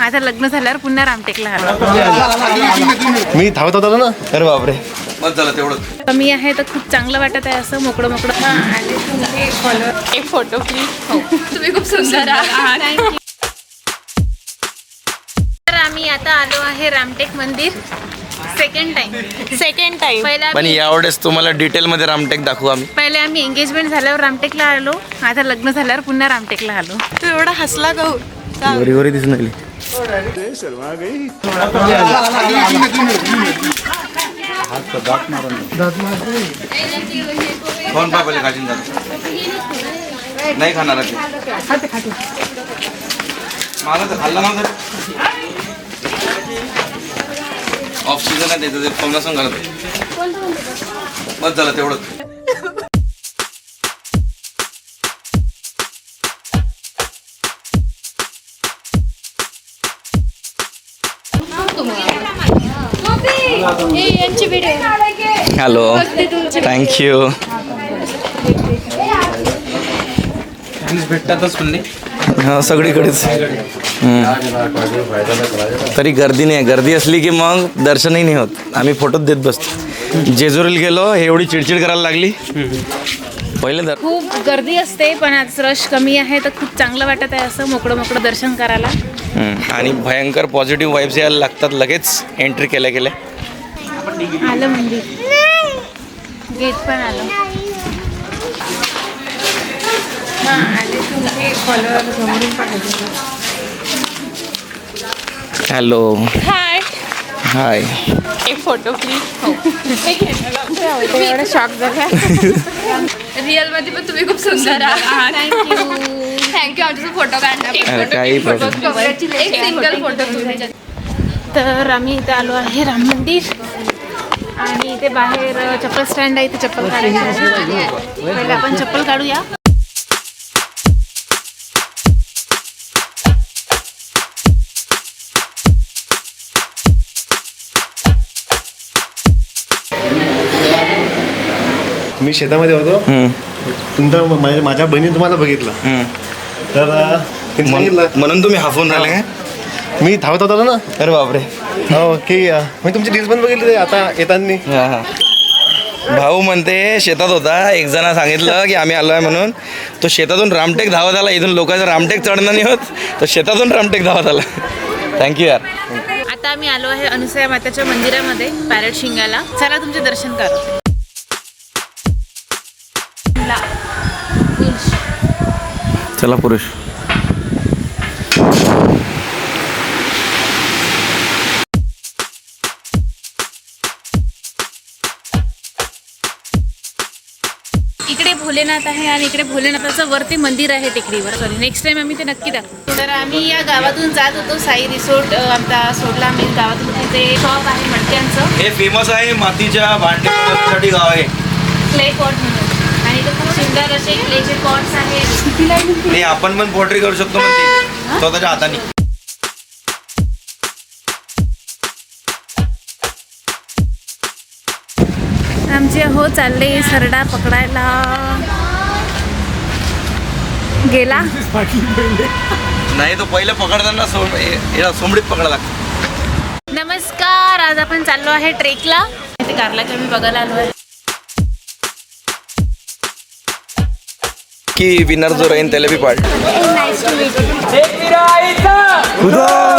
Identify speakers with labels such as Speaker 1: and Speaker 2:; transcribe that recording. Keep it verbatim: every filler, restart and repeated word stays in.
Speaker 1: आता लग्न झाल्यावर पुन्हा रामटेकला आलो.
Speaker 2: मी धावत होतो ना. अरे बापरे,
Speaker 3: मग झालं तेवढं
Speaker 1: कमी आहे तर खूप चांगलं वाटत आहे असं मोकळं मोकळं. आणि तुमचे फॉलोअर एक फोटो प्लीज. तुम्ही खूप सुंदर आहात. थँक्यू. तर आम्ही आता आलो आहे रामटेक मंदिर. सेकंड टाइम सेकंड टाइम पहिला
Speaker 3: पण यावेळेस तुम्हाला डिटेल मध्ये रामटेक दाखवू आम्ही.
Speaker 1: पहिले आम्ही एंगेजमेंट झाल्यावर रामटेकला आलो, आता लग्न झाल्यावर पुन्हा रामटेकला आलो. तू एवढा हसला गहू
Speaker 3: गोरी गोरी दिसून राहिली. फोन पा पहिले खाशीन जात नाही खाणार मला तर खाल्ला नव्हतं. ऑफ सीझन आहे त्याचं, ते फोन असं घालत मग झालं तेवढं. Hello, thank you. भेटतातच पण हा सगळीकडेच. तरी गर्दी नाही, गर्दी असली की मग दर्शनही नाही होत, आम्ही फोटोच देत बसतो. जेजुरीला गेलो, एवढी चिडचिड करायला लागली पहिले. दर
Speaker 1: खूप गर्दी असते पण आज रश कमी आहे तर खूप चांगलं वाटत आहे असं मोकळं मोकळं दर्शन करायला.
Speaker 3: आणि भयंकर पॉझिटिव्ह वाईब्स यायला लागतात लगेच एंट्री केल्या केल्या.
Speaker 1: आलं मंदिर, गेट पण आलं.
Speaker 3: Hello,
Speaker 1: hi
Speaker 3: hi.
Speaker 1: एक फोटो प्लीज. एवढा शॉक झाला. रिअल मध्ये पण तुम्ही खूप सुंदर आहात. Thank you thank you. आमचा फोटो काढला.
Speaker 3: काही प्रॉब्लेम.
Speaker 1: एक सिंगल फोटो. तर आम्ही इथे आलो आहे राम मंदिर आणि इथे बाहेर चप्पल स्टँड आहे, इथे चप्पल काढायची. पहिले आपण चप्पल काढूया.
Speaker 2: मी शेतामध्ये होतो. तुमच्या माझ्या माझ्या बहिणीने तुम्हाला बघितलं तर तिने सांगितलं
Speaker 3: म्हणून तुम्ही हाफून राहिले काय?
Speaker 2: मी धावत होतो ना.
Speaker 3: अरे बापरे.
Speaker 2: हो की मी तुमची रील्स पण बघितली आता येताना.
Speaker 3: हा हा. भाऊ म्हणते शेतात होता, एक जण सांगितलं की आम्ही आलो आहे म्हणून. तो शेतातून रामटेक धावत आला. इथून लोकांचं रामटेक चढणं नाही होत, तर शेतातून रामटेक धावत आला. थँक्यू यार.
Speaker 1: आता आम्ही आलो आहे अनुसया माताच्या मंदिरामध्ये पॅरेट शिंगाला. चला तुमचे दर्शन करू.
Speaker 3: चला पुरुष.
Speaker 1: इकडे भोलेनाथ आहे आणि इकडे भोलेनाथाचं वरती मंदिर आहे टेकडीवर. सॉरी, नेक्स्ट टाइम आम्ही ते नक्की दाखवू. तर आम्ही या गावातून जात होतो. साई रिसोर्ट आमचा सोडला आम्ही गावातून. तिथे शॉप आहे मडक्यांचं.
Speaker 3: हे फेमस आहे मातीच्या भांडे बनवण्यासाठी गाव आहे.
Speaker 1: क्ले पॉट म्हणून. आणि इथे खूप सुंदर असे क्लेचे पॉट्स आहेत.
Speaker 3: नाही आपण पण पोट्री करू शकतो म्हणते स्वतःच्या हाताने.
Speaker 1: आमचे हो चालले सरडा पकडायला. गेला
Speaker 3: नाही तो पहिले पकडताना सोम याला सोमडीत पकडा लागतो.
Speaker 1: नमस्कार. आज आपण चाललो आहे ट्रेकला. इथे कारलाच्या मी बघायला आलो आहे
Speaker 3: की विनर जो राहील त्याला बी पाड.
Speaker 1: Nice to meet you.
Speaker 3: खुदा